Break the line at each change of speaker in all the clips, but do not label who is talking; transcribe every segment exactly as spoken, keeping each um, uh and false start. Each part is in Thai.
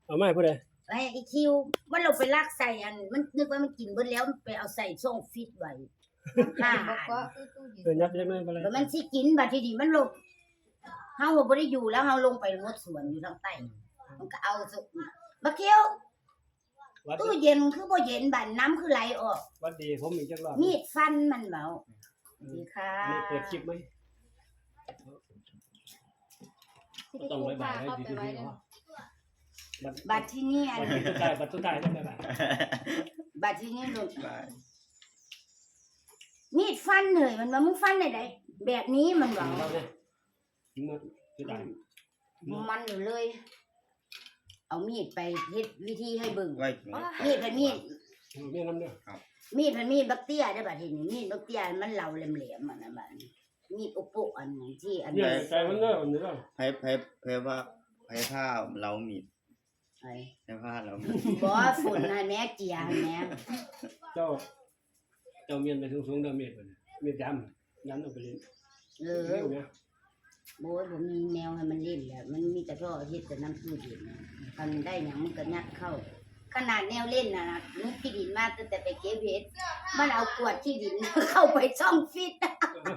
เอามาให้ผู้ใด
ไอ้ไอ้คิวมันลงไปลากใส่อันมันนึกว่ามันกินเบิดแล้วมันไปเอาใส่ช่องฟิตไว้ห้า
บอก
อั
ว่าน คือตู้เย็น
เออยับยับไม่เป็นไร
แล้วมันสิกินบัดทีนี้มันลงเฮาบ่ได้อยู่แล้วเฮาลงไปงดสวนอยู่ทางใต้มันก็เอาสุบักเขียว
วัด
ตู้เย็นคือบ่เย็นบัดน้ำคือไหลออก
วัดดีผมมีจักรอบ
มีดฟันมันเบาดีค่ะ
นี่เปิดคลิปไหมต้องไว้บ่ายให้
เข้า
ดี
ไป
ดี
ไว้
ๆ
เลย
เนาะบัด
บัดที่นี่อัน
บัดสุดท้ายบัดสุดท้ายได้ไหมบัด
บัดที่นี่ลงมีดฟันเลยมันว่ามึงฟันได้ไดแบบนี้มันเบา
เราเนี่ยมันสุดท้าย
มันอยู่เลย เอามีดไปเฮ็ดวิธีให้เบิ่ง
ไว้
มีดเป็นมีด
เอาแม่น้ำเด้อ
มีดเป็นมีดบักเตี้ยได้อบัดทีนี้มีดบักเตี้ยมันเหลาแหลมๆมันน่ะบัดนี้มีดอุปอันนั้นที่อัน
เนี่ย
นี้
ใจมันเด้อมันเด้อ
ไผไผไผว่าไผผ้าเรามีด
ไอ้
ไผผ้าเรามีด
บ่ฝนน่ะแม่เจียแม่
เจ้าเจ้าเมียนไปสูงๆเด้อเมียนเพิ่นเมียนดำดำเอาไปเล่น
เอ
เร็
อ
วเนี่ย
โบยบ่มีแมวให้มันเล่นแหละมันมีแต่ท่อเฮ็ดแต่น้ำตู้เย็นน่ะคันได้หยังมันก็ยัดเข้า ขนาดแนวเล่นน่ะนะนึกที่ดินมาตั้งแต่ไปเก็บเห็ดมันเอากวดที่ดิน เข้าไปช่องฟิต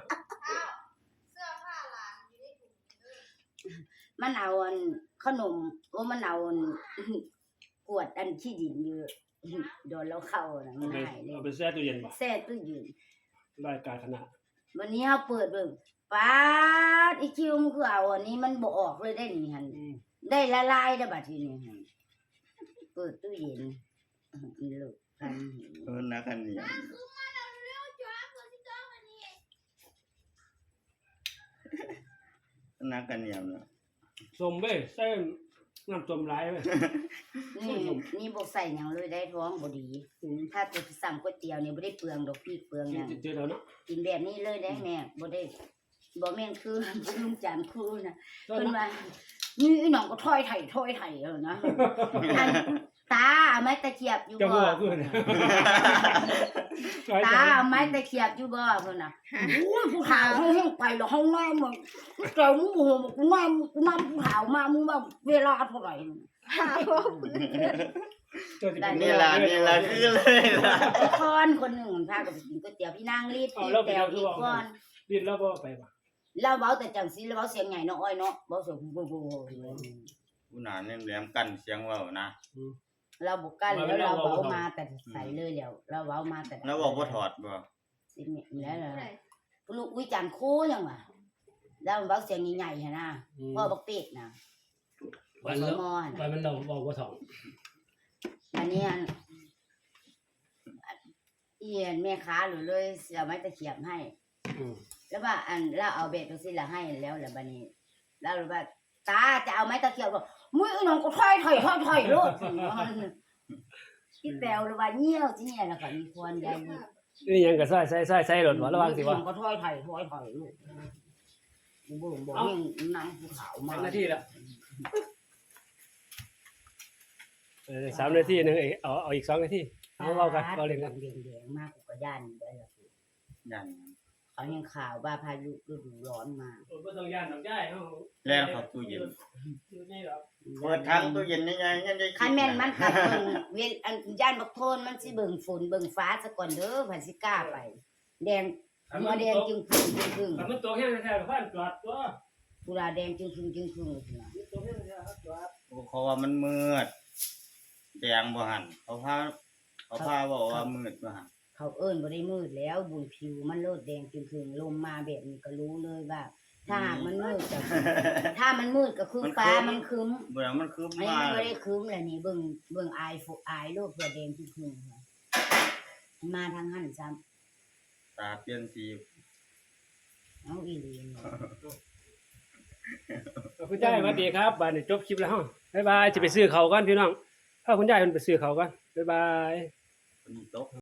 มันเอาอันขนมโอ้มันเอาอัน กวดอันที่ดินอยู่ โดนแล้วเข้าน่ะ
เอาไป
ง่ายเลย
เอาไปแช่ตู้เย็นบ่
แซ่ตู้เย็น
รายการขนาด
วันนี้เฮาเปิดเบิ่งป๊าดอีคิวมันคือเอาอันนี้มันบ่ออกเลยได้นี่หั่น
อืม
ได้ละลายได้อบัดทีนี้หั่นเปิดตู้เย็นอีลูกพัน
เออนักกันเนี่ยนักกันเนี่ยเนาะ
ส้มเว้ยใส่น้ำส้มหลายเว้ย
นี่นี่บ่ใส่หยังเลยได้ท้องบ่ดี
อืม
ถ้าจะสั่งก๋วยเตี๋ยวนี่บ่ได้เปลืองดอกพริกเปลืองหยัง
เจอแล้วเนาะ
กินแบบนี้เลยได้แม่บ่ได้บ่แม่นคือ ลุงจานครูน่ะ
เจ้า
เพิ่น
เนาะ
ว่านี่อีน้องก็ถอยไถถอยไถเออนะ อันตาเอาไม้ตะเกียบอยู่
เจ้า
บ่
บ่คือเนี่ย
ตาเอาไม้ตะเกียบอยู่บ่เพิ่นน่ะโอ้ยผู้ขาวเฮาเฮงไปแล้วเฮาน้ำมึงเจ้ามึงโหกูน้ำกูน้ำผู้ขาวมามึงว่าเวลาเท่าไหร่
เจ้าสิเป็น
นี่ล่ะนี่ล่ะคือเลยล่ะ
ไอ้คอนคนหนึงมันพากันไปกินก๋วยเตี๋ยวพี่นางรีดพี่แตวอีกก่อน
ดินแล้วบ่ไปบ่
เราเว้าแต่จังซี่เราเว้าเสียงใหญ่เนาะอ้อยเนาะเว้าเสียงโบโบ
ผู้หนาเนี่ยแหลมกันเสียงเว้านะ
เราบ่กันแล้วเราเว้ามาแต่ใส่เลยแล้วเราเว้ามาแต่
แล้วบอกบ่ถอดบ่
สิแม่นแล้วล่ะลูกวิจารณ์โคจังว่าแล้วเว้าเสียงใหญ่ๆหั่นน่ะพ่อบักเป็ดน่ะ
วัน
ส
แล้ว
มอหั่น
วันมันเราบอกว่าถอง
อันนี้อันเอียนแม่ค้าหรือเลยเสียไม้ตะเขียบให้
อืม
แล้วว่าอันเราเอาเบ็ดไปสิละให้แล้วแล้วบัดนี้แล้วว่าตาจะเอาไม้ตะเขียบบ่มึงอีน้องก็ถอยถอยถอยถอยโลดพี่แปวหรือว่าเหี่ยวสิเนี่ยแล้วก็มีควรใหญ่
นี่ยังก็ใส่ใส่ใส่ใส่รถบ่ระวังสิว่า
ก็ถอยถอยถอยถอยลูกบ่บ่แม่งนางภูเขามา
นาทีละเออสามนาทีนึงเอาเอาอีกสองนาทีเอาเว้ากันเว้าเล่นกัน
แดงๆมากกว่าย่านได้ล่ะ
ยัน
เขายังข่าวว่าพายุฤดูร้อนมา
บ่ต้องย่านดอกย้ายเฮา
แล่นเข้าตู้เย็น
อยู่ในดอก
เปิดทางตู้เย็นยังไงยังได้
คันแม่นมันกับเบิ่งเวลอันย่านบักโทนมันสิเบิ่งฝนเบิ่งฟ้าซะก่อนเด้อพันสิกล้าไป แดงหัวแดงจึงพึ่งจึงพึ่ง
ถ้ามันตกแห้งแท้ๆก็พันจอดตัว
กุหลาบแดงจึงพึ่งจึงพึ่งเลยนะ
มันตกแห้งแท้ๆก็จอด
เขาว่ามันมืดแดงบ่หันเขาพาเขาพาบอกว่ามืดบ่หัน
เขาเอิ้นบ่ได้มืดแล้วบุญผิวมันโลดแดงจึงพึ่งลมมาแบบนี้ก็รู้เลยว่า ถ้าหากมันมืดก็ถ้ามันมืดก็คือฟ้ามันครึ้ม
บ่แล้วมันคือ
อันนี้
มา
มันบ่ได้ครึ้มแหละนี่เบิ่งเบิ่งอายฝอายโลกเพื่อแดงจึงพึ่งมาทางหันซ้ำ
ตาเปลี่ยนสี
เอาอีหลีนี่
คุณยายสวัสดีครับบัดนี้จบคลิปแล้วเฮาบ๊ายบายสิไปซื้อข้าวกันพี่น้องถ้าคุณยายเพิ่นไปซื้อข้าวกันบ๊ายบาย
คนนี้ตก